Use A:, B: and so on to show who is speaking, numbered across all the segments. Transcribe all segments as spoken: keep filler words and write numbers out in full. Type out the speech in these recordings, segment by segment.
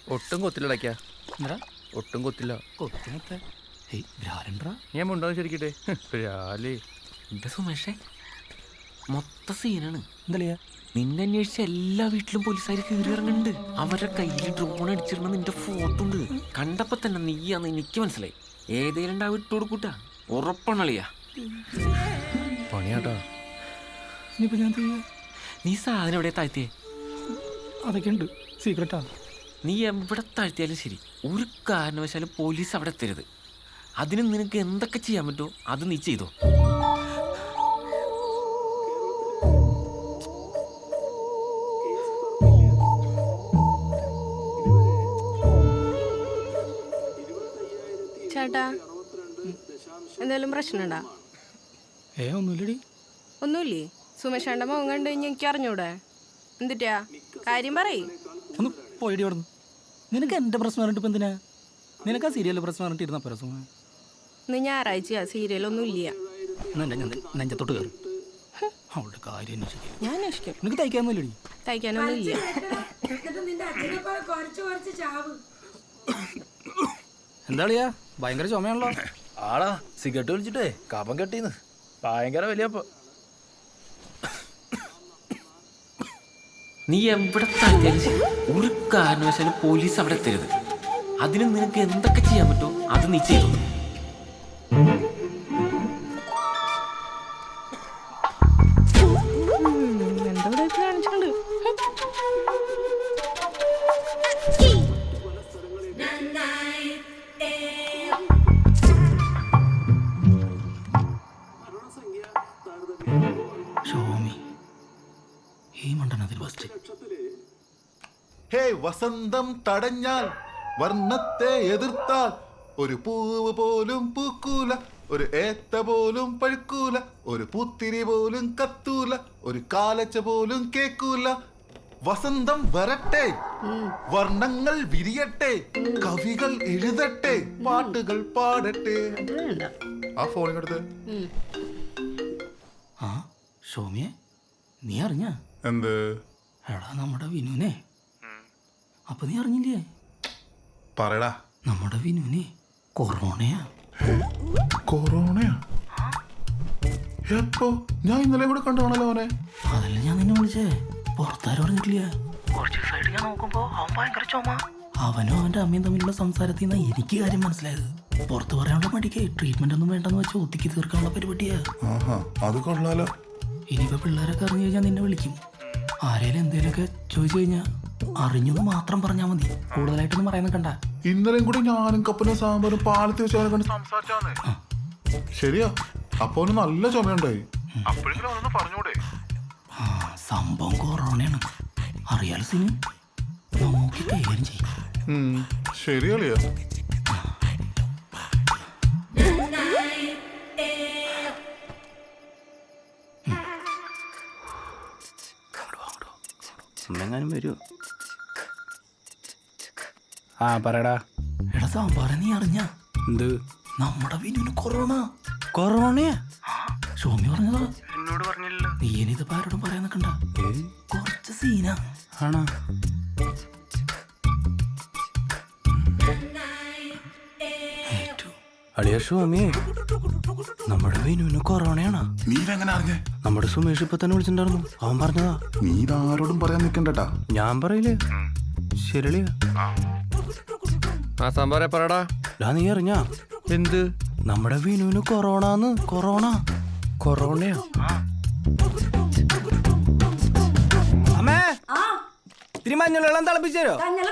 A: ഒട്ടും കൊത്തില്ലടയ്ക്കാ.
B: എന്താ
A: ഒട്ടും കൊത്തില്ല.
B: കൊത്തിനത്തെ
A: ഞാൻ മുണ്ടാന്ന് ശരിക്കട്ടെ. രാലേ
C: എന്താ സുമേഷേ മൊത്ത സീനാണ്.
B: എന്താ
C: നിന്നെ അന്വേഷിച്ച എല്ലാ വീട്ടിലും പോലീസുകാർ കയറി ഇറങ്ങുന്നുണ്ട്. അവരുടെ കയ്യിൽ ഡ്രോൺ അടിച്ചിരുന്ന നിന്റെ ഫോട്ടോ ഉണ്ട്. കണ്ടപ്പോ തന്നെ നീയാന്ന് എനിക്ക് മനസ്സിലായി. ഏതേലും ഉണ്ടാവും ഇട്ട് കൊടുക്കൂട്ടാ. ഉറപ്പണളിയാ
A: പണിയാട്ടാ.
B: ഇനിയിപ്പോ ഞാൻ
C: നീ സാധനം എവിടെ താഴ്ത്തിയേ?
B: അതൊക്കെ ഉണ്ട്, സീക്രട്ടാ.
C: നീ എവിടെ താഴ്ത്തിയാലും ശരി, ഒരു കാരണവശാലും പോലീസ് അവിടെ എത്തരുത്. അതിന് നിനക്ക് എന്തൊക്കെ ചെയ്യാൻ പറ്റുമോ അത് നീ ചെയ്തോ.
D: ചേട്ടാ, എന്തെങ്കിലും പ്രശ്നമുണ്ടാ?
B: ഏ ഒന്നുമില്ലടി.
D: ഒന്നുമില്ലേ? സുമേഷേണ്ട മുഖം കണ്ടു കഴിഞ്ഞാൽ എനിക്ക് അറിഞ്ഞൂടെ? എന്തിട്ടാ കാര്യം പറയ്.
B: ഒന്ന് പോയിടി അവിടെ നിന്ന്. നിനക്ക് എൻ്റെ പ്രശ്നം പറഞ്ഞിട്ട് ഇപ്പം എന്തിനാ? നിനക്ക് ആ സീരിയലിൽ പ്രശ്നം പറഞ്ഞിട്ട് ഇരുന്ന പ്രശ്നം.
D: ഇന്ന് ഞായറാഴ്ചയാ, സീരിയലൊന്നും ഇല്ല.
B: നെഞ്ചത്തോട്ട് കയറി അവളുടെ കാര്യം അന്വേഷിക്കും.
D: ഞാൻ അന്വേഷിക്കും.
B: നിനക്ക് തയ്ക്കാനൊന്നുമില്ലടി.
D: തയ്ക്കാനൊന്നും ഇല്ല.
B: എന്താളിയാ ഭയങ്കര ചുമയാണല്ലോ.
E: ആടാ സിഗരറ്റ് വലിച്ചിട്ടേ കപം കെട്ടീന്ന് ഭയങ്കര വലിയപ്പോ.
C: നീ എവിടെ താഴ്ത്തിയാലും ശരി, ഒരു കാരണവശാലും പോലീസ് അവിടെ എത്തരുത്. അതിന് നിനക്ക് എന്തൊക്കെ ചെയ്യാൻ പറ്റുമോ അത് നീ ചെയ്തു.
D: എന്തോ കാണിച്ചിട്ടുണ്ട്.
F: ഹേ വസന്തം തടഞ്ഞാൽ വർണ്ണത്തെ എതിർത്താൽ ഒരു പൂവ് പോലും പൂക്കൂല, ഒരു ഏത്ത പോലും പഴുക്കൂല, ഒരു പൂത്തിരി പോലും കത്തൂല, ഒരു കാലച്ച പോലും കേക്കൂല. വസന്തം വരട്ടെ, വർണ്ണങ്ങൾ വിരിയട്ടെ, കവികൾ എഴുതട്ടെ, പാട്ടുകൾ പാടട്ടെ. ആ ഫോണിനടുത്ത്
B: ആ ഷോമിയെ നീ അറിഞ്ഞ
F: എന്ത്?
B: എടാ നമ്മുടെ വിനുവിനെ. അപ്പൊ നീ അറിഞ്ഞില്ലേ?
F: പറയടാ.
B: നമ്മുടെ വിനുവിനെ കൊറോണയാ.
F: കൊറോണയാ? എപ്പോ? ഞാൻ ഇന്നലെ കൂടെ കണ്ടാണല്ലോ അവനെ.
B: അതല്ല ഞാൻ നിന്നെ വിളിച്ചേ, പുറത്താരും അറിഞ്ഞിട്ടില്ല. കുറച്ച് ദിവസമായിട്ട് ഞാൻ നോക്കുമ്പോ അവൻ ഭയങ്കര ചുമ. അവനും അവന്റെ അമ്മയും തമ്മിലുള്ള സംസാരത്തിൽ നിന്നാ എനിക്ക് കാര്യം മനസ്സിലായത്. പുറത്ത് പറയാനുള്ള മടിക്ക് ട്രീറ്റ്മെന്റ് ഒന്നും വേണ്ടെന്ന് വെച്ച് ഒത്തിക്ക് തീർക്കാനുള്ള പരിപാടിയാ.
F: അത് കൊള്ളാലോ.
B: ഇനിയിപ്പോ പിള്ളേരൊക്കെ അറിഞ്ഞു കഴിഞ്ഞാൽ നിന്നെ വിളിക്കും. ആരേലും എന്തേലുമൊക്കെ ചോദിച്ചു കഴിഞ്ഞാൽ അറിഞ്ഞെന്ന് മാത്രം പറഞ്ഞാൽ മതി, കൂടുതലായിട്ടൊന്നും പറയുന്ന കണ്ട.
F: ഇന്നലെയും കൂടി ഞാനും കപ്പനും സാമ്പാറും പാലത്ത് വെച്ചവനെ കണ്ട് സംസാരിച്ചാന്നേ. ശരിയാ, അപ്പൊ നല്ല ചുമയുണ്ടായി. പറഞ്ഞൂടെ?
B: ആ സംഭവം കൊറോണയാണ്. അറിയാലോ സിന്, നോക്കി കൈകാര്യം ചെയ്യും.
F: ശരിയല്ലയോ?
B: എങ്ങാനും വരുമോ?
E: ആ പറയടാ.
B: എടാ സാമ്പാറ നീ അറിഞ്ഞ?
E: എന്ത്?
B: നമ്മുടെ വിനുവിന് കൊറോണ.
E: കൊറോണയാ?
B: ഷോമി പറഞ്ഞതാ.
E: എന്നോട് പറഞ്ഞില്ലല്ലോ.
B: നീ ഇനിയിപ്പോ ആരോടും പറയാൻ നിൽക്കണ്ട, കുറച്ച് സീനാ.
E: ആണോ? അളിയ ഷോമിയെ, നമ്മുടെ വിനുവിന് കൊറോണയാണോ?
F: നീ എങ്ങനെ അറിഞ്ഞേ?
E: നമ്മുടെ സുമേഷ് ഇപ്പൊ തന്നെ വിളിച്ചിട്ടുണ്ടായിരുന്നു, അവൻ പറഞ്ഞതാ.
F: നീ ഇതാരോടും പറയാൻ നിൽക്കണ്ടട്ടാ.
E: ഞാൻ പറയില്ലേ? ശരിളിയ.
A: ആ സാമ്പാറെ പറടാ.
E: ഡാ നീ അറിഞ്ഞാ?
A: എന്ത്?
E: നമ്മുടെ വിനുവിന് കൊറോണന്ന്. കൊറോണ?
A: കൊറോണയോ?
E: അമ്മേ, ഇത്തിരി മഞ്ഞളെല്ലാം തിളപ്പിച്ചോ.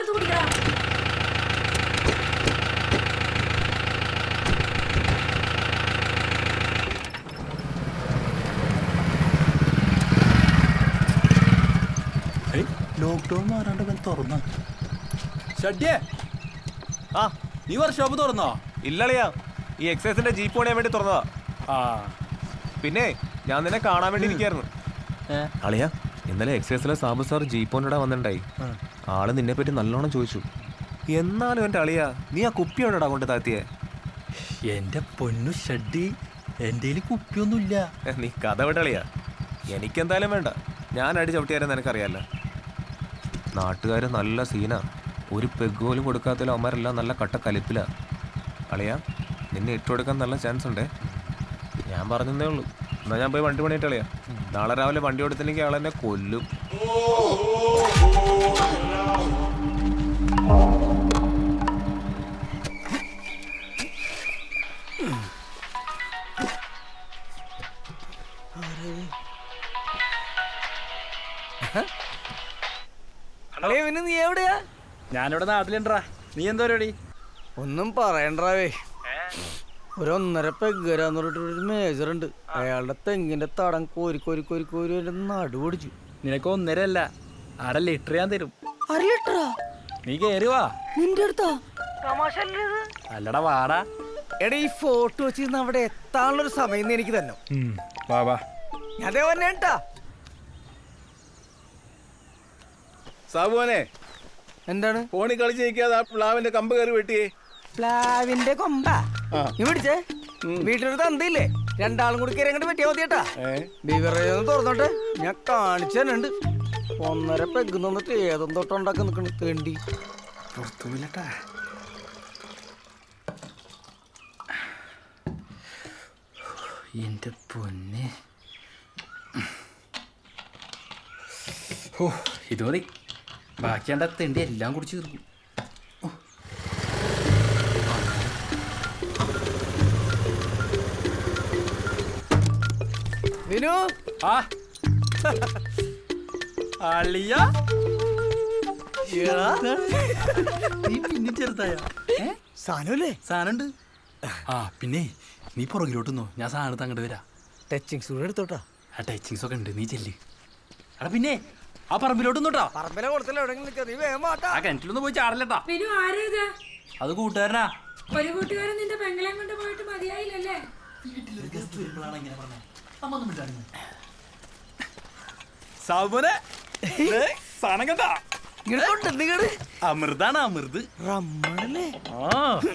E: ലോക്ക്ഡൌൺ മാറാണ്ട് തുറന്ന ഷഡ്യേ.
G: ആ നീ വർക്ക്ഷോപ്പ് തുറന്നോ? ഇല്ലളിയാ, ഈ എക്സൈസിന്റെ ജീപ്പ് പണിയാൻ വേണ്ടി തുറന്നതാ.
E: ആ
G: പിന്നെ ഞാൻ നിന്നെ കാണാൻ വേണ്ടി ഇരിക്കായിരുന്നു. അളിയാ, ഇന്നലെ എക്സൈസിലെ സാബു സാർ ജീപ്പോണിടെ വന്നിട്ടുണ്ടായി. ആള് നിന്നെ പറ്റി നല്ലോണം ചോദിച്ചു. എന്നാലും എൻ്റെ അളിയാ, നീ ആ കുപ്പി എവിടെടാ കൊണ്ട് താത്തിയേ?
E: എന്റെ പൊന്നു ഷഡ്ഡി, എന്റെ കുപ്പിയൊന്നുമില്ല.
G: നീ കഥ വിടളിയാ. എനിക്കെന്തായാലും വേണ്ട, ഞാൻ അടി ചവിട്ടിയാരെന്ന് എനിക്കറിയാലോ. നാട്ടുകാർ നല്ല സീനാ. ഒരു പെഗ് പോലും കൊടുക്കാത്തതിൽ അവന്മാരെല്ലാം നല്ല കട്ട കലിപ്പിലാ. അളിയാ നിന്നെ ഇട്ടുകൊടുക്കാൻ നല്ല ചാൻസ് ഉണ്ടേ. ഞാൻ പറഞ്ഞതേ ഉള്ളൂ. എന്നാൽ ഞാൻ പോയി വണ്ടി പണിയിട്ട് അളിയാ. നാളെ രാവിലെ വണ്ടി കൊടുത്തില്ലെങ്കിൽ ആളെന്നെ കൊല്ലും.
E: നീ എവിടെയാ?
A: ഞാനിവിടെ നാട്ടിലുണ്ടാ. നീ എന്താ പരിപാടി?
E: ഒന്നും പറയണ്ടാവേ. ഒരു ഒന്നര പെഗ്ഗരാന്ന് പറഞ്ഞിട്ട് ഒരു മേജർ ഉണ്ട്. അയാളുടെ തെങ്ങിന്റെ തടം കോരി കോരി കോരി കോരി എന്റെ നടു പൊടിച്ചു.
A: നിനക്ക് ഒന്നര അല്ല, ആടെ ലിറ്റർ ഞാൻ തരും.
E: അര ലിറ്ററാ?
A: നീ കേറി വാ.
E: നിന്റെ അടുത്താ?
A: അല്ലടാ വാടാ.
E: എടാ ഈ ഫോട്ടോ വെച്ചിരുന്ന് അവിടെ എത്താനുള്ളൊരു സമയം എനിക്ക് തന്നെ.
A: വാ വാ.
E: ഞാൻ അതേ വന്നേട്ടാ.
H: സാബുവനെ
E: എന്താണ്
H: ഫോണിൽ കളിച്ച് നിൽക്കാതെ പ്ലാവിന്റെ കമ്പ് കയറി വെട്ടിയേ.
E: പ്ലാവിന്റെ കൊമ്പ നീ പിടിച്ചേ. വീട്ടിലൊരു തന്തയില്ലേ, രണ്ടാളും കൂടി കയറി അങ്ങോട്ട് പറ്റിയാ മതിയേട്ടാ. ബിവറേജ് ഒന്ന് തുറന്നോട്ടെ, ഞാൻ കാണിച്ചു തന്നെ ഉണ്ട്. ഒന്നര പെഗ് നിന്നിട്ട് ഏതും തൊട്ടുണ്ടാക്കി നിൽക്കണ തേണ്ടി
B: പുറത്തുമില്ലട്ടാ. എന്റെ പൊന്നെ, ഓ ഇത് മതി. ബാക്കി എൻ്റെ തെണ്ടി എല്ലാം കുടിച്ച് തീർക്കും.
E: വിനു
B: ആ അളിയ നീ പിന്നെ ചെറുതായ
E: സാധനല്ലേ?
B: സാധനമുണ്ട്. ആ പിന്നെ നീ പുറകിലോട്ടുന്നോ, ഞാൻ സാധനത്ത് അങ്ങോട്ട് വരാം.
E: ടച്ചിങ്സ് കൂടെ എടുത്തോട്ടാ.
B: ആ ടച്ചിങ്സ് ഒക്കെ ഉണ്ട്, നീ ചെല്ല്. എടാ പിന്നെ ആ പറമ്പിലോട്ടൊന്നോട്ടാ.
E: പറമ്പിലെ കൊടുത്തല്ലോ എവിടെയെങ്കിലും നിൽക്കുക, നീ വേഗം വാട്ടാ.
B: ആ കിണറ്റിലൊന്നും പോയി ചാടല്ലട്ടാ.
I: വിനു ആരേത്?
B: അത് കൂട്ടുകാരനാ.
I: ഒരു കൂട്ടുകാരൻ നിന്റെ പെങ്ങളെ കൊണ്ട് പോയിട്ട് മതിയായില്ലല്ലേ?
B: സാബുനെ സാധനം കണ്ടാ?
E: ഇങ്ങോട്ട് നിങ്ങട്
B: അമൃതാണ്, അമൃത്.
E: റമ്മണല്ലേ?
B: ആ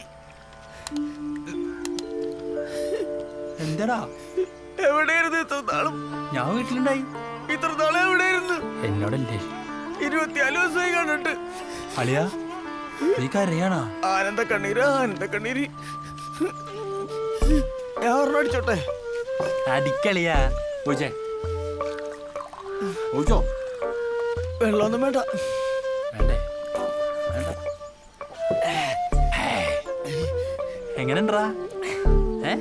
B: എന്താടാ
E: എവിടെയായിരുന്നു ഇത്ര നാളും?
B: ഞാൻ വീട്ടിലുണ്ടായി.
E: ഇത്ര നാളും എവിടെയായിരുന്നു?
B: എന്നോടല്ലേ
E: ഇരുപത്തിനാല് ദിവസമായി കണ്ടിട്ട്.
B: അളിയാ നീ കരയാണാ?
E: ആനന്ദ കണ്ണീര്, ആനന്ദ കണ്ണീര്. ഞാൻ ഒരെണ്ണം അടിച്ചോട്ടെ?
B: അടിക്കളിയാ. ഓച്ചേ ഓച്ചോ
E: വെള്ളമൊന്നും വേണ്ട.
B: വേണ്ടേ? വേണ്ട. എങ്ങനെണ്ടാ? ഏ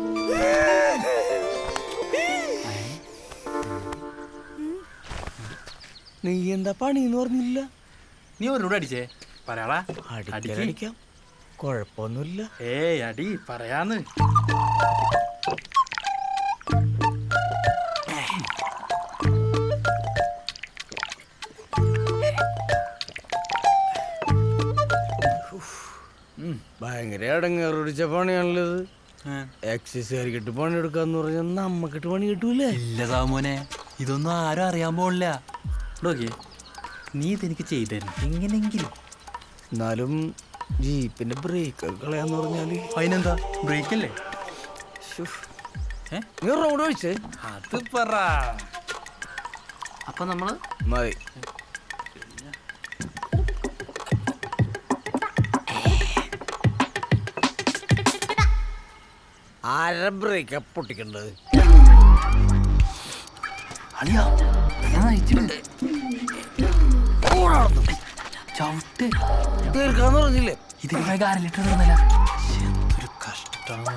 E: നീ എന്താ പണിന്ന് പറഞ്ഞില്ല?
B: നീ ഒരോട് അടിച്ചേ പറയാടാ.
E: അടിക്കാം, കൊഴപ്പൊന്നുമില്ല.
B: ഏയ് അടി പറയാന്ന്.
E: ഭയങ്കര അടങ്ങേറിച്ച പണിയാണല്ലത്. എക്സസൈസുകാരിക്കിട്ട് പണി എടുക്കാന്ന് പറഞ്ഞാൽ നമ്മക്കിട്ട് പണി കിട്ടൂലേ?
B: ഇല്ല സാമോനെ, ഇതൊന്നും ആരും അറിയാൻ പോണില്ല. നോക്കിയേ, നീ ഇതെനിക്ക് ചെയ്തു തരണം എങ്ങനെങ്കിലും.
E: എന്നാലും ജീപ്പിന്റെ ബ്രേക്ക് കളയാന്ന് പറഞ്ഞാല്
B: അതിനെന്താ, ബ്രേക്ക് അല്ലേ?
E: നീ റോഡ് ഒഴിച്ചേ.
B: അത് പറ. അപ്പൊ നമ്മള്
E: മതി. ആര ബ്രേക്കാ പൊട്ടിക്കണ്ടത്?
B: അളിയാ ഞാൻ അയച്ചിട്ടുണ്ട്. ചവിട്ട്
E: തീർക്കാന്ന് പറഞ്ഞില്ലേ?
B: ഇതിന് അര ലിറ്റർ തീർന്നില്ല. എന്തൊരു കഷ്ടമാണ്.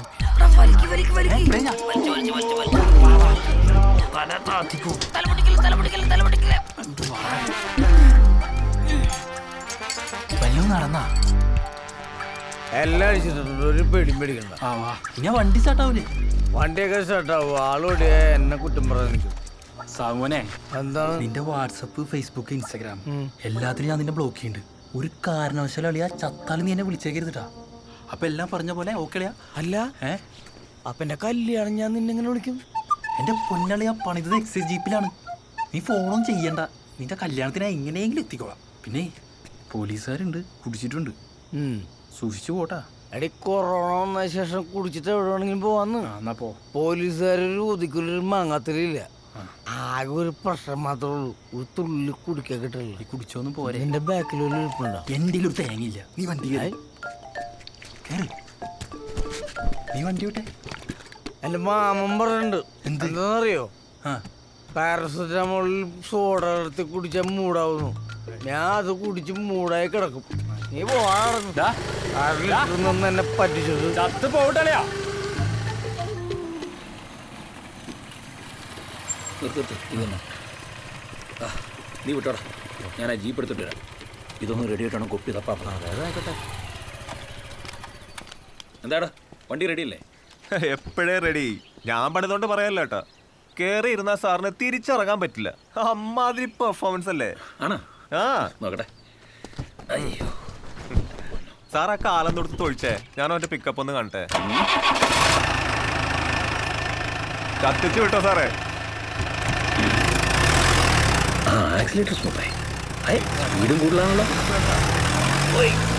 B: വല്ലതും നടന്നാ?
E: എല്ലാം അടിച്ചിട്ടുണ്ട്, ഒരു പേടിയും പേടിക്കണ്ട.
B: ആ വാ, ഞാൻ വണ്ടി സ്റ്റാർട്ടാവൂലേ?
E: വണ്ടിയൊക്കെ സ്റ്റാർട്ടാവും. ആളോടിയ എന്നെ കുറ്റം പറയാൻ നിൽക്കും.
B: സാമോനെ,
E: എന്താണ്?
B: നിന്റെ വാട്സപ്പ്, ഫേസ്ബുക്ക്, ഇൻസ്റ്റാഗ്രാം എല്ലാത്തിനും ഞാൻ നിന്നെ ബ്ലോക്ക് ചെയ്യുന്നുണ്ട്. ഒരു കാരണവശാലും അളിയാ ചത്താലും നീ എന്നെ വിളിച്ചേക്കരുതിട്ടാ. അപ്പൊ എല്ലാം പറഞ്ഞ പോലെ ഓക്കെ അളിയാ?
E: അല്ല
B: ഏ
E: അപ്പൊ എന്റെ കല്യാണം ഞാൻ നിന്നെങ്ങനെ വിളിക്കും?
B: എന്റെ പൊന്നളിയാ പണിതത് എക്സൈസ് ജീപ്പിലാണ്. നീ ഫോണൊന്നും ചെയ്യണ്ട, നിന്റെ കല്യാണത്തിന് എങ്ങനെയെങ്കിലും എത്തിക്കോളാം. പിന്നെ പോലീസുകാരുണ്ട്, കുടിച്ചിട്ടുണ്ട്, സൂക്ഷിച്ചു പോട്ടാ.
E: എടി കൊറോണ വന്ന ശേഷം കുടിച്ചിട്ട് എവിടെ വേണമെങ്കിലും പോവാന്ന്.
B: എന്നാ പോ.
E: പോലീസുകാരൊരു ഒതുക്കൊരു മാങ്ങാത്തിലില്ല. ആകെ ഒരു പ്രശ്നം മാത്രമേ ഉള്ളൂ, ഒരു തുള്ളി കുടിക്കാൻ കിട്ടില്ല.
A: കുടിച്ചോന്നും പോരെ.
E: എന്റെ ബാക്കിൽ ഒരു ഇരിപ്പുണ്ടോ?
A: എൻ്റെ ഒരു തേങ്ങയില്ല. നീ വണ്ടി കേറി. കേറ്. നീ വണ്ടി വിട്ടെ.
E: എന്റെ മാമൻ പറഞ്ഞിട്ടുണ്ട്.
A: എന്ത്?
E: എന്താണെന്നറിയോ?
A: ആ
E: പാരസെറ്റമോളിൽ സോഡ എടുത്ത് കുടിച്ചാൽ മൂടാവുന്നു. ഞാൻ അത് കുടിച്ച് മൂടായി കിടക്കും. നീ പോവാറുന്നു
A: ദാ,
E: എന്നെ പറ്റിച്ചത്.
A: ചത്ത് പോവട്ടല്ലയാ.
B: നീ വിട്ടോടാ, ഞാൻ ആ ജീപ്പ് എടുത്തിട്ട് വരാം. ഇതൊന്നും റെഡി ആയിട്ടാണ് കൊപ്പി തപ്പാ. എന്താടാ വണ്ടി റെഡിയല്ലേ?
G: എപ്പോഴേ റെഡി. ഞാൻ പണിതുകൊണ്ട് പറയാല്ലോ കേട്ടോ. കേറി ഇരുന്ന സാറിന് തിരിച്ചിറങ്ങാൻ പറ്റില്ല. അമ്മാതിരി പെർഫോമൻസ് അല്ലേ?
B: ആണോ?
G: ആ
B: നോക്കട്ടെ. അയ്യോ
G: സാർ ആ കാലം തൊടുത്ത് തൊഴിച്ചേ. ഞാൻ അവന്റെ പിക്കപ്പ് ഒന്ന് കാണട്ടെ. കത്തിച്ചു വിട്ടോ സാറേ.
B: ആ ആക്സിലേറ്റർ സ്മൂത്തായി. സ്പീഡും കൂടുതലാണല്ലോ.